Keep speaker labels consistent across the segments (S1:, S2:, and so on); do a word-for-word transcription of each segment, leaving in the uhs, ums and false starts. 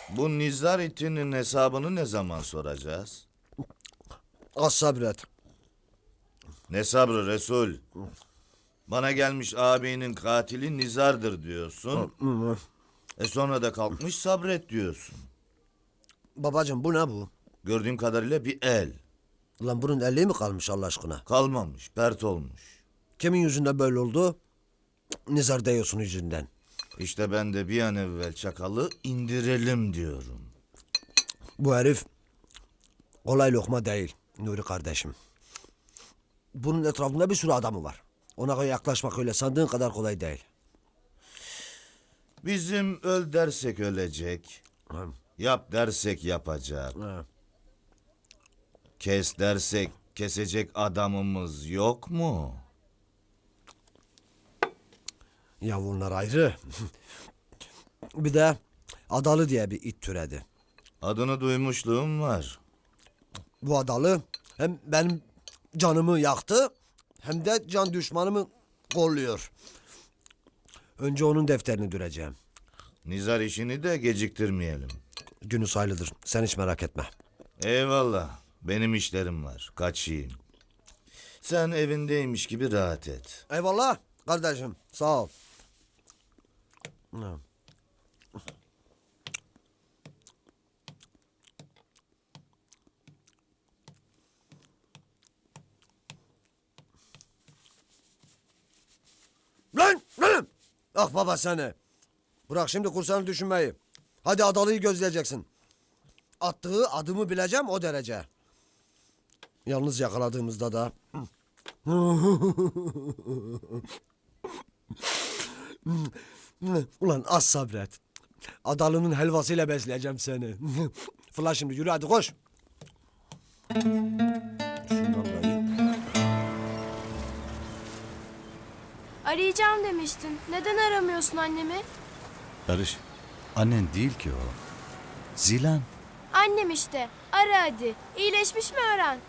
S1: Bu Nizar itinin hesabını ne zaman soracağız?
S2: Az sabret.
S1: Ne sabrı Resul? Bana gelmiş ağabeyinin katili Nizar'dır diyorsun. E sonra da kalkmış sabret diyorsun.
S2: Babacığım bu ne bu?
S1: Gördüğüm kadarıyla bir el.
S2: Ulan bunun elliği mi kalmış Allah aşkına?
S1: Kalmamış, pert olmuş.
S2: Kimin yüzünden böyle oldu? Nizar Deyos'un yüzünden.
S1: İşte ben de bir an evvel çakalı indirelim diyorum.
S2: Bu herif kolay lokma değil Nuri kardeşim. Bunun etrafında bir sürü adamı var. Ona yaklaşmak öyle sandığın kadar kolay değil.
S1: Bizim öl dersek ölecek.
S2: Ha.
S1: Yap dersek yapacak.
S2: Ha.
S1: Kes dersek kesecek adamımız yok mu?
S2: Ya bunlar ayrı. Bir de Adalı diye bir it türedi.
S1: Adını duymuşluğum var.
S2: Bu Adalı hem benim canımı yaktı hem de can düşmanımı kolluyor. Önce onun defterini düreceğim.
S1: Nizar işini de geciktirmeyelim.
S2: Günü sayılıdır. Sen hiç merak etme.
S1: Eyvallah. Benim işlerim var. Kaçayım. Sen evindeymiş gibi rahat et.
S2: Eyvallah kardeşim. Sağ ol. Ha. Lan! Lan! Ah baba seni. Bırak şimdi kursanı düşünmeyi. Hadi Adalı'yı gözleyeceksin. Attığı adımı bileceğim o derece. Yalnız yakaladığımızda da... Ulan az sabret. Adalı'nın helvasıyla besleyeceğim seni. Fırla şimdi yürü hadi koş. Şundan da iyi.
S3: Arayacağım demiştin. Neden aramıyorsun annemi?
S4: Barış, annen değil ki o. Zilan.
S3: Annem işte. Ara hadi. İyileşmiş mi öğren?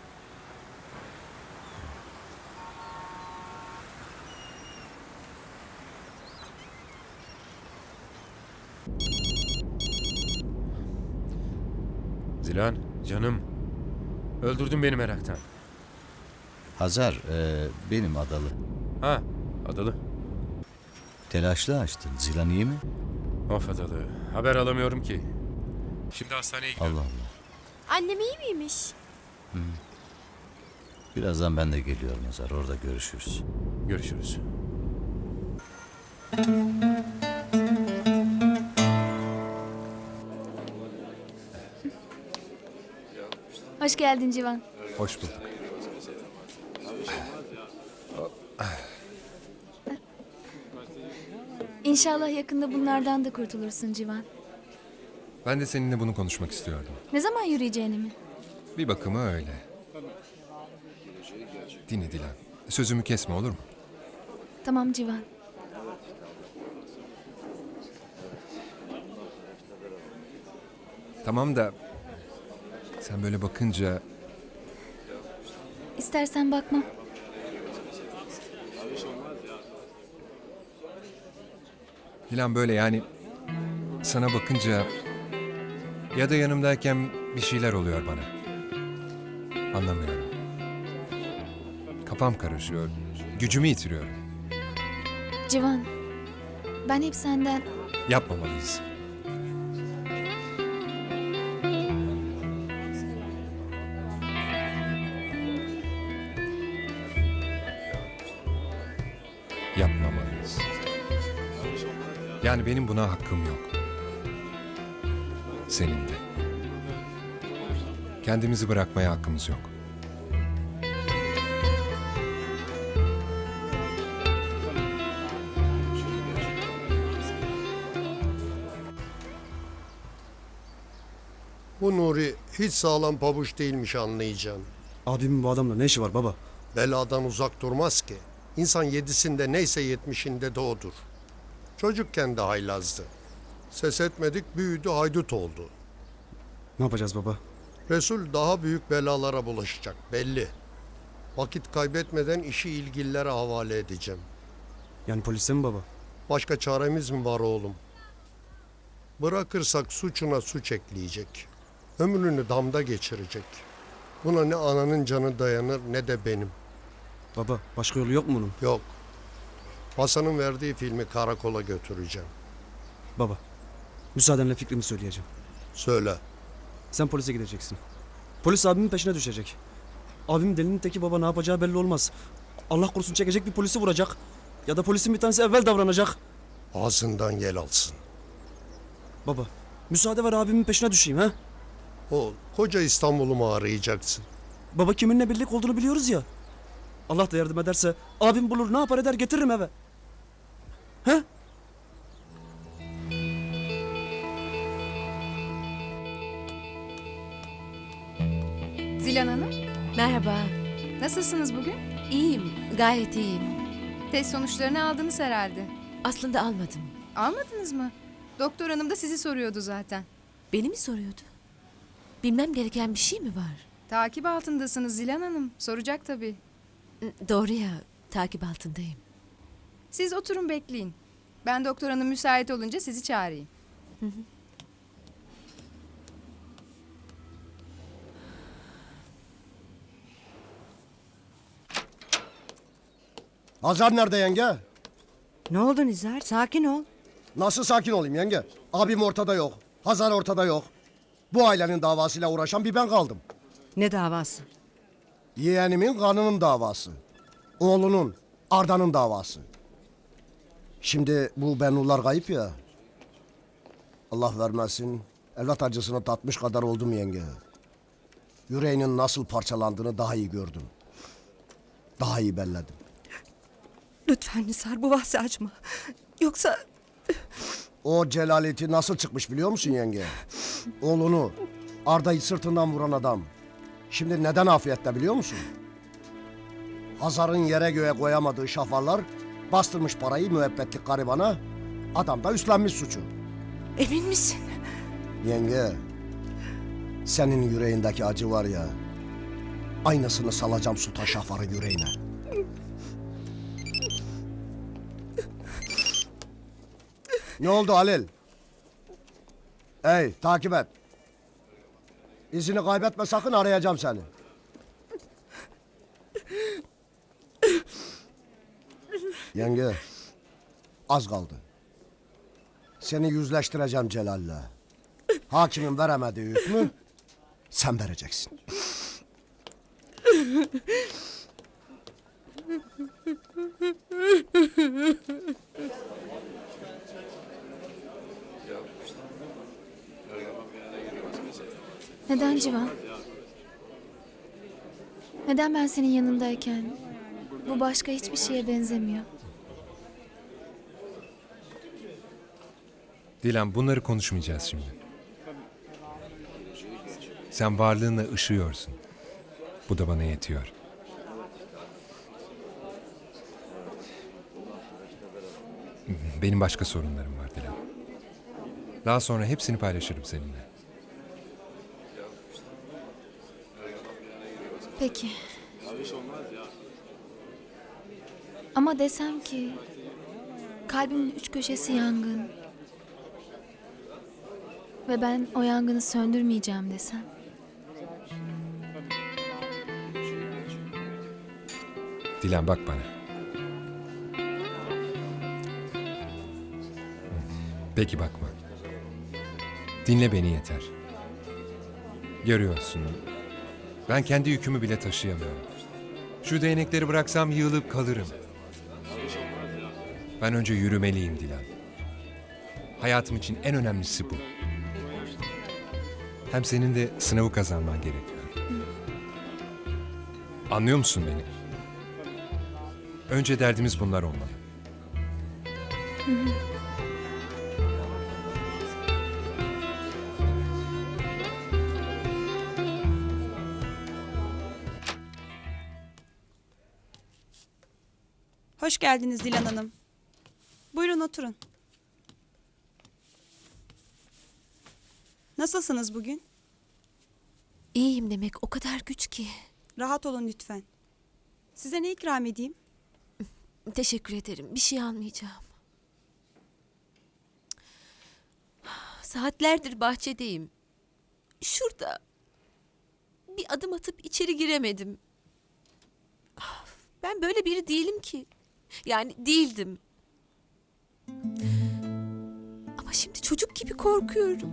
S5: Zilan, canım. Öldürdün beni meraktan.
S4: Hazar, e, benim Adalı.
S5: Ha, Adalı.
S4: Telaşlı açtın. Zilan iyi mi?
S5: Of Adalı, haber alamıyorum ki. Şimdi hastaneye gidiyorum.
S4: Allah Allah.
S3: Annem iyi miymiş?
S4: Birazdan ben de geliyorum Hazar. Orada görüşürüz.
S5: Görüşürüz.
S3: Hoş geldin Civan.
S5: Hoş bulduk.
S3: İnşallah yakında bunlardan da kurtulursun Civan.
S5: Ben de seninle bunu konuşmak istiyordum.
S3: Ne zaman yürüyeceğini mi?
S5: Bir bakıma öyle. Dinle Dilan. Sözümü kesme olur mu?
S3: Tamam Civan.
S5: Tamam da... Sen böyle bakınca...
S3: İstersen bakmam.
S5: Dilan böyle yani... Sana bakınca... Ya da yanımdayken bir şeyler oluyor bana. Anlamıyorum. Kafam karışıyor. Gücümü yitiriyorum.
S3: Civan. Ben hep senden...
S5: Yapmamalıyız. Yapmamalıyız. Yani benim buna hakkım yok. Senin de. Kendimizi bırakmaya hakkımız yok.
S6: Bu Nuri hiç sağlam pabuç değilmiş anlayacaksın.
S7: Abimin bu adamla ne işi var baba?
S6: Beladan uzak durmaz ki. İnsan yedisinde neyse yetmişinde de odur. Çocukken de haylazdı. Ses etmedik büyüdü haydut oldu.
S7: Ne yapacağız baba?
S6: Resul daha büyük belalara bulaşacak belli. Vakit kaybetmeden işi ilgililere havale edeceğim.
S7: Yani polise mi baba?
S6: Başka çaremiz mi var oğlum? Bırakırsak suçuna suç ekleyecek. Ömrünü damda geçirecek. Buna ne ananın canı dayanır ne de benim.
S7: Baba başka yolu yok mu bunun?
S6: Yok. Hasan'ın verdiği filmi karakola götüreceğim.
S7: Baba müsaadenle fikrimi söyleyeceğim.
S6: Söyle.
S7: Sen polise gideceksin. Polis abimin peşine düşecek. Abim delinin teki baba, ne yapacağı belli olmaz. Allah korusun çekecek bir polisi vuracak. Ya da polisin bir tanesi evvel davranacak.
S6: Ağzından yel alsın.
S7: Baba müsaade ver abimin peşine düşeyim ha.
S6: O koca İstanbul'u mu arayacaksın?
S7: Baba kiminle birlik olduğunu biliyoruz ya. Allah da yardım ederse abim bulur, ne yapar eder getiririm eve. He?
S8: Zilan Hanım,
S9: Merhaba.
S8: nasılsınız bugün?
S9: İyiyim, gayet iyiyim.
S8: Test sonuçlarını aldınız herhalde.
S9: Aslında almadım.
S8: Almadınız mı? Doktor hanım da sizi soruyordu zaten.
S9: Beni mi soruyordu? Bilmem gereken bir şey mi var?
S8: Takip altındasınız Zilan Hanım. Soracak tabii.
S9: Doğru ya, takip altındayım.
S8: Siz oturun bekleyin. Ben doktor hanım müsait olunca sizi çağırayım.
S2: Hazar nerede yenge?
S10: Ne oldu Nizar? Sakin ol.
S2: Nasıl sakin olayım yenge? Abim ortada yok. Hazar ortada yok. Bu ailenin davasıyla uğraşan bir ben kaldım.
S10: Ne davası?
S2: Yeğenimin kanının davası. Oğlunun, Arda'nın davası. Şimdi bu Bennular kayıp ya. Allah vermesin, evlat acısını tatmış kadar oldum yenge. Yüreğinin nasıl parçalandığını daha iyi gördüm. Daha iyi belledim.
S10: Lütfen Nizar bu bahsi açma. Yoksa
S2: O celaleti nasıl çıkmış biliyor musun yenge? Oğlunu, Arda'yı sırtından vuran adam. Şimdi neden afiyette biliyor musun? Hazar'ın yere göğe koyamadığı şafarlar bastırmış parayı müebbetlik garibana. Adam da üstlenmiş suçu.
S10: emin misin?
S2: Yenge, senin yüreğindeki acı var ya, aynısını salacağım Sultan Şafar'ın yüreğine. Ne oldu Halil? Hey, takip et. İzini kaybetme sakın, arayacağım seni. Yenge, az kaldı. Seni yüzleştireceğim Celal'le. Hakimin veremediği hükmü sen vereceksin.
S3: Neden Civan? Neden ben senin yanındayken bu başka hiçbir şeye benzemiyor?
S5: Dilan, bunları konuşmayacağız şimdi. Sen varlığınla ışıyorsun. Bu da bana yetiyor. Benim başka sorunlarım var Dilan. Daha sonra hepsini paylaşırım seninle.
S3: Peki. Ama desem ki kalbimin üç köşesi yangın ve ben o yangını söndürmeyeceğim desem.
S5: Dilan, bak bana. Peki bakma. Dinle beni yeter. Görüyorsun. Ben kendi yükümü bile taşıyamıyorum. Şu değnekleri bıraksam yığılıp kalırım. Ben önce yürümeliyim Dilan. Hayatım için en önemlisi bu. Hem senin de sınavı kazanman gerekiyor. Anlıyor musun beni? Önce derdimiz bunlar olmalı.
S10: Hoş geldiniz Dilan Hanım. Buyurun oturun. Nasılsınız bugün?
S9: İyiyim demek o kadar güç ki.
S10: Rahat olun lütfen. Size ne ikram edeyim?
S9: Teşekkür ederim. Bir şey almayacağım. Saatlerdir bahçedeyim. Şurada. Bir adım atıp içeri giremedim. Ah, ben böyle biri değilim ki. Yani değildim. Ama şimdi çocuk gibi korkuyorum.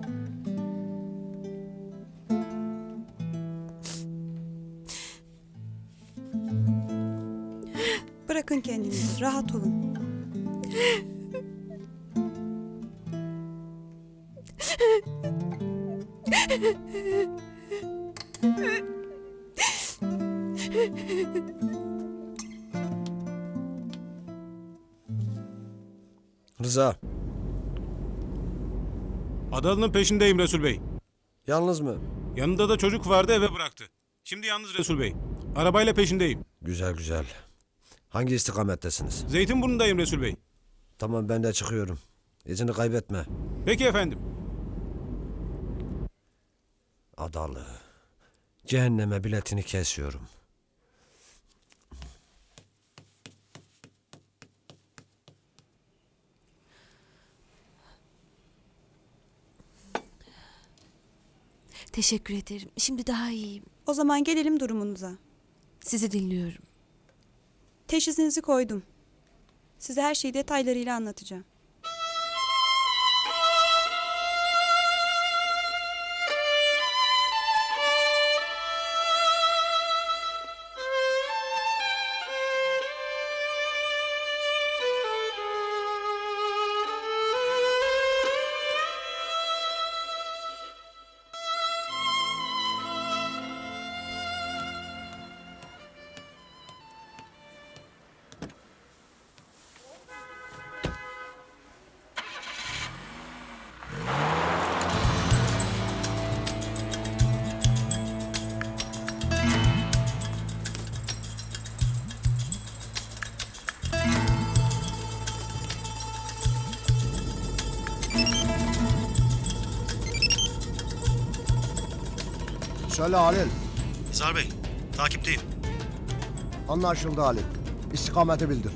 S10: Bırakın kendinizi, rahat olun.
S2: Rıza,
S11: Adalı'nın peşindeyim Resul Bey.
S2: yalnız mı?
S11: Yanında da çocuk vardı, eve bıraktı. Şimdi yalnız Resul Bey. Arabayla peşindeyim.
S2: Güzel güzel. Hangi istikamettesiniz?
S11: Zeytinburnu'ndayım Resul Bey.
S2: Tamam, ben de çıkıyorum. İzini kaybetme.
S11: Peki efendim.
S2: Adalı. Cehenneme biletini kesiyorum.
S9: Teşekkür ederim. Şimdi daha iyiyim.
S10: O zaman gelelim durumunuza.
S9: Sizi dinliyorum.
S10: Teşhisinizi koydum. Size her şeyi detaylarıyla anlatacağım.
S2: Söyle Halil.
S12: Nizar Bey, takipteyim.
S2: Anlaşıldı Halil. İstikameti bildir.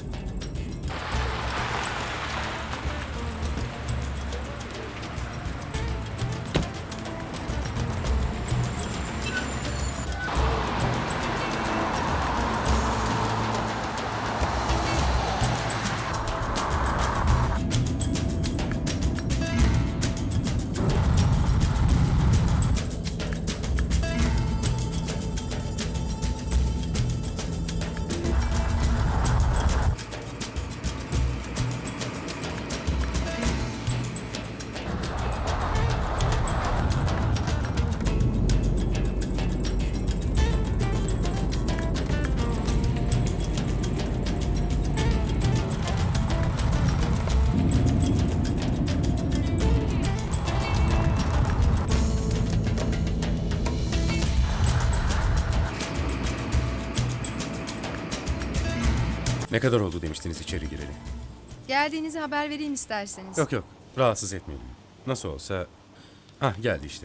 S5: Ne kadar oldu demiştiniz içeri gireli?
S8: Geldiğinizi haber vereyim isterseniz.
S5: Yok yok, rahatsız etmeyelim. Nasıl olsa... Hah, geldi işte.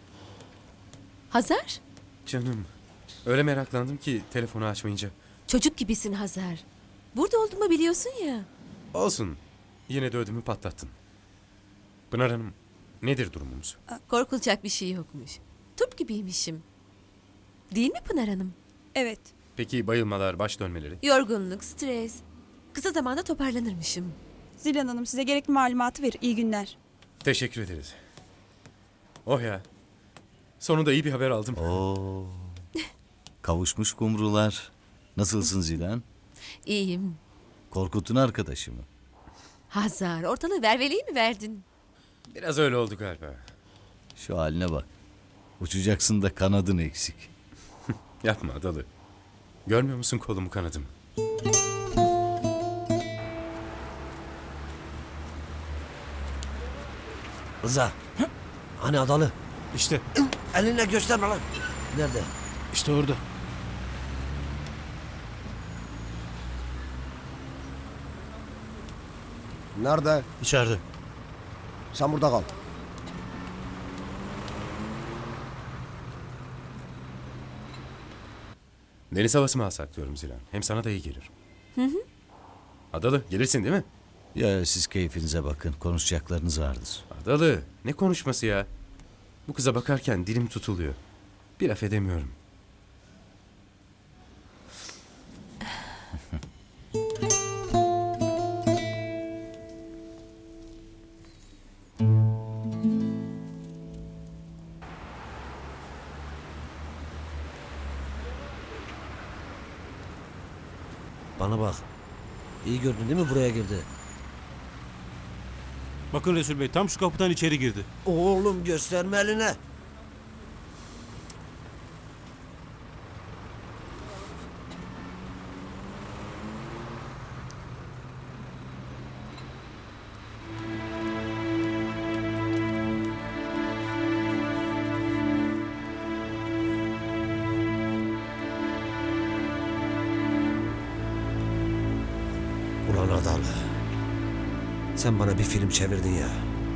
S9: Hazar?
S5: Canım, öyle meraklandım ki telefonu açmayınca.
S9: Çocuk gibisin Hazar. Burada olduğumu biliyorsun ya.
S5: Olsun, yine de ödümü patlattın. Pınar Hanım, nedir durumumuz?
S9: Korkulacak bir şey yokmuş. Turp gibiymişim. Değil mi Pınar Hanım?
S10: Evet.
S5: Peki bayılmalar, baş dönmeleri?
S9: Yorgunluk, stres. Kısa zamanda toparlanırmışım.
S10: Zilan Hanım size gerekli malumatı verir. İyi günler.
S5: Teşekkür ederiz. Oh ya, sonunda iyi bir haber aldım.
S4: Oo. Kavuşmuş kumrular. Nasılsın Zilan?
S9: İyiyim.
S4: Korkut'un arkadaşı mı?
S9: Hazar, ortalığı verveleyi mi verdin?
S5: Biraz öyle oldu galiba.
S4: Şu haline bak. Uçacaksın da kanadın eksik.
S5: Yapma Adalı. Görmüyor musun kolumu kanadımı?
S2: Rıza. Hani Adalı?
S11: İşte,
S2: Elinle gösterme lan. Nerede?
S11: işte orada.
S2: Nerede?
S12: İçeride.
S2: Sen burada kal.
S5: Deniz havası mı alsak diyorum Zilan. Hem sana da iyi gelir. Hı hı. Adalı, gelirsin değil mi?
S4: Ya siz keyfinize bakın. Konuşacaklarınız vardır.
S13: Adalı, ne konuşması ya? Bu kıza bakarken dilim tutuluyor. Bir laf edemiyorum.
S2: Bana bak. İyi gördün değil mi buraya girdi?
S11: Bakın Resul Bey tam şu kapıdan içeri girdi.
S2: Oğlum gösterme eline. Ulan Adalı. Sen bana bir film çevirdin ya.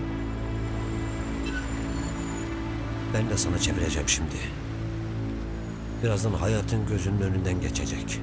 S2: Ben de sana çevireceğim şimdi. Birazdan hayatın gözünün önünden geçecek.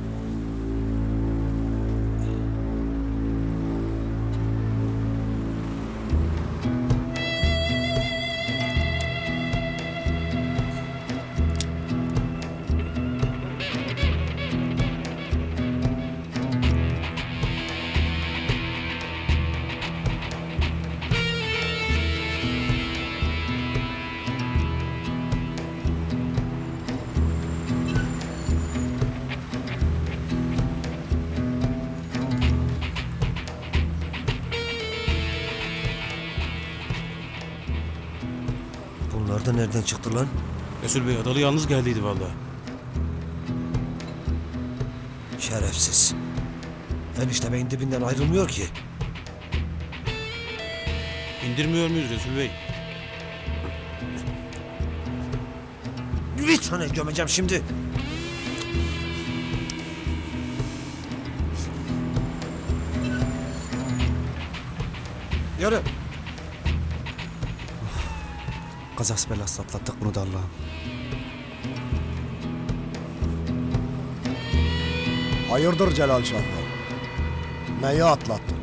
S2: Bunlar da nereden çıktı lan?
S11: Resul Bey Adalı yalnız geldiydi vallahi.
S2: Şerefsiz. Enişte beyin dibinden ayrılmıyor ki.
S11: İndirmiyor muyuz Resul Bey?
S2: Bir tane gömeceğim şimdi. Yürü.
S7: Kazas belası atlattık bunu da Allah'ım.
S14: Hayırdır Celal Şahlar? Neyi atlattın?